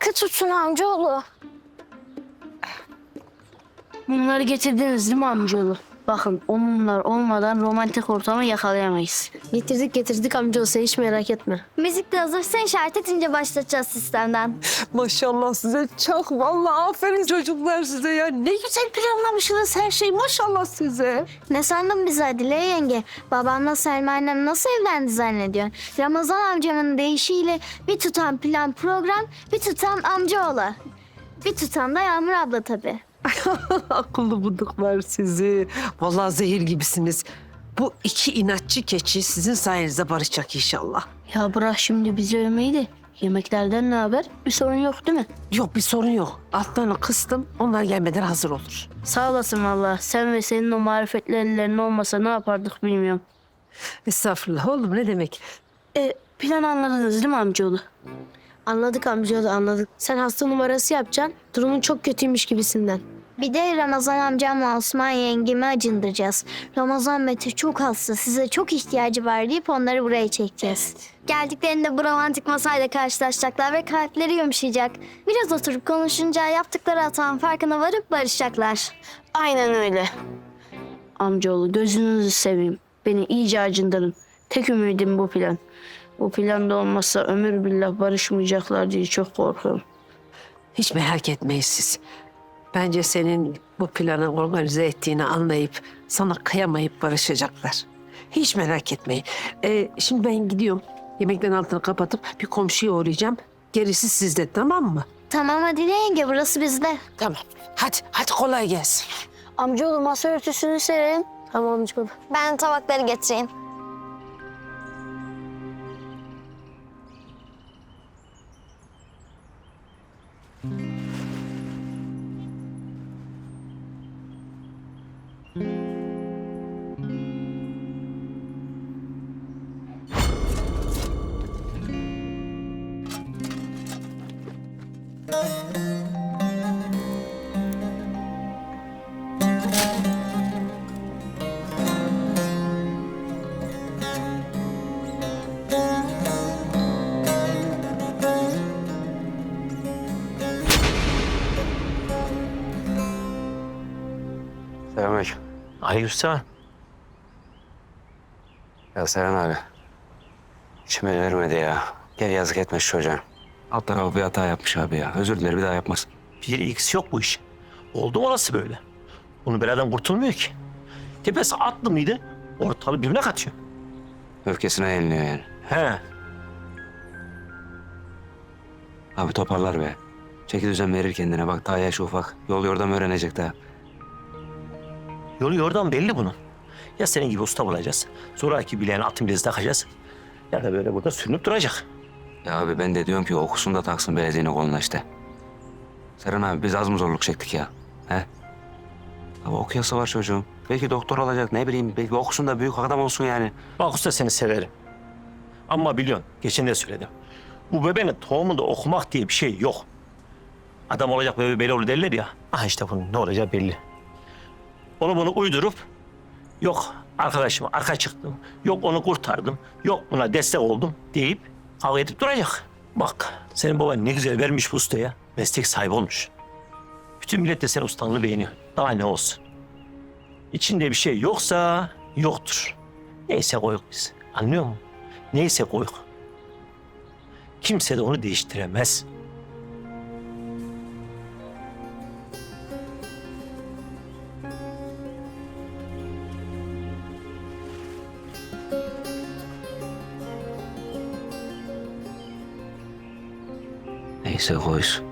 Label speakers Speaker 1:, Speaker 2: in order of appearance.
Speaker 1: sıkı tutsun amcaoğlu.
Speaker 2: Bunları getirdiniz değil mi amcaoğlu? Bakın o mumlar olmadan romantik ortamı yakalayamayız.
Speaker 1: Getirdik amcaoğlu, sen hiç merak etme.
Speaker 3: Müzik de hazır. Sen işaret edince başlatacağız sistemden.
Speaker 4: Maşallah size çok. Vallahi aferin çocuklar size ya. Ne güzel planlamışsınız her şeyi. Maşallah size.
Speaker 3: Ne sandın bizi Adile yenge? Babamla Selma annem nasıl evlendi zannediyorsun? Ramazan amcamın deyişiyle bir tutan plan program, bir tutan amcaoğlu. Bir tutan da Yağmur abla tabii.
Speaker 4: Akıllı buduklar sizi. Vallahi zehir gibisiniz. Bu iki inatçı keçi sizin sayenizde barışacak inşallah.
Speaker 2: Ya bırak şimdi bizi övmeyi de yemeklerden ne haber? Bir sorun yok değil mi?
Speaker 4: Yok bir sorun yok. Altlarını kıstım. Onlar gelmeden hazır olur.
Speaker 2: Sağ olasın valla. Sen ve senin o marifetli ellerin olmasa ne yapardık bilmiyorum.
Speaker 4: Estağfurullah oğlum ne demek?
Speaker 2: Plan anladınız değil mi amcaoğlu?
Speaker 1: Anladık amcaoğlu, anladık. Sen hasta numarası yapacaksın. Durumun çok kötüymüş gibisinden.
Speaker 3: Bir de Ramazan amcamla Osman yengemi acındıracağız. Ramazan Mete çok hasta, size çok ihtiyacı var deyip onları buraya çekeceğiz. Geldiklerinde bu romantik masayla karşılaşacaklar ve kalpleri yumuşayacak. Biraz oturup konuşunca yaptıkları hatanın farkına varıp barışacaklar.
Speaker 2: Aynen öyle. Amcaoğlu gözünüzü seveyim. Beni iyice acındırın. Tek ümidim bu plan. Bu plan da olmazsa ömür billah barışmayacaklar diye çok korkuyorum.
Speaker 4: Hiç merak etmeyin siz. Bence senin bu planı organize ettiğini anlayıp sana kıyamayıp barışacaklar. Hiç merak etmeyin. Şimdi ben gidiyorum. Yemeklerin altını kapatıp bir komşuya uğrayacağım. Gerisi sizde, tamam mı?
Speaker 3: Tamam Adile yenge, burası bizde.
Speaker 4: Tamam. Hadi kolay gelsin.
Speaker 1: Amcaoğlu masa örtüsünü serelim. Tamam amcaoğlu.
Speaker 3: Ben tabakları getireyim.
Speaker 5: Selamünaleyküm.
Speaker 6: Aleykümselam.
Speaker 5: Ya Seren abi. İçime vermedi ya. Gel yazık etme şu çocuğa. Alt tarafı bir hata yapmış abi ya. Özür dilerim bir daha yapmaz.
Speaker 6: Bir ilgisi yok bu iş. Oldu mu orası böyle? Bunu beladan kurtulmuyor ki. Tepesi atlı mıydı? Ortalığı birbirine katıyor.
Speaker 5: Öfkesine yeniliyor yani.
Speaker 6: He.
Speaker 5: Abi toparlar be. Çeki düzen verir kendine. Bak daha yaşı ufak. Yol yordam öğrenecek daha.
Speaker 6: Yolu yordan belli bunun. Ya senin gibi usta bulacağız. Zoraki bileğine atın bilezi takacağız. Ya da böyle burada sürünüp duracak.
Speaker 5: Ya abi ben de diyorum ki okusun da taksın belediyenin koluna işte. Seren abi biz az mı zorluk çektik ya? He? Abi okuyası var çocuğum. Belki doktor olacak ne bileyim. Belki okusun da büyük adam olsun yani.
Speaker 6: Bak usta seni severim. Ama biliyorsun geçen de söyledim. Bu bebeğin tohumunda okumak diye bir şey yok. Adam olacak bebe belli olur derler ya. Ah işte bunun ne olacağı belli. Onu bunu uydurup yok arkadaşıma arka çıktım, yok onu kurtardım, yok buna destek oldum deyip kavga edip duracak. Bak senin baban ne güzel vermiş bu ustaya. Meslek sahibi olmuş. Bütün millet de senin ustalığını beğeniyor. Daha ne olsun. İçinde bir şey yoksa yoktur. Neyse koyuk biz. Anlıyor musun? Neyse koyuk. Kimse de onu değiştiremez.
Speaker 5: Neyse koysun.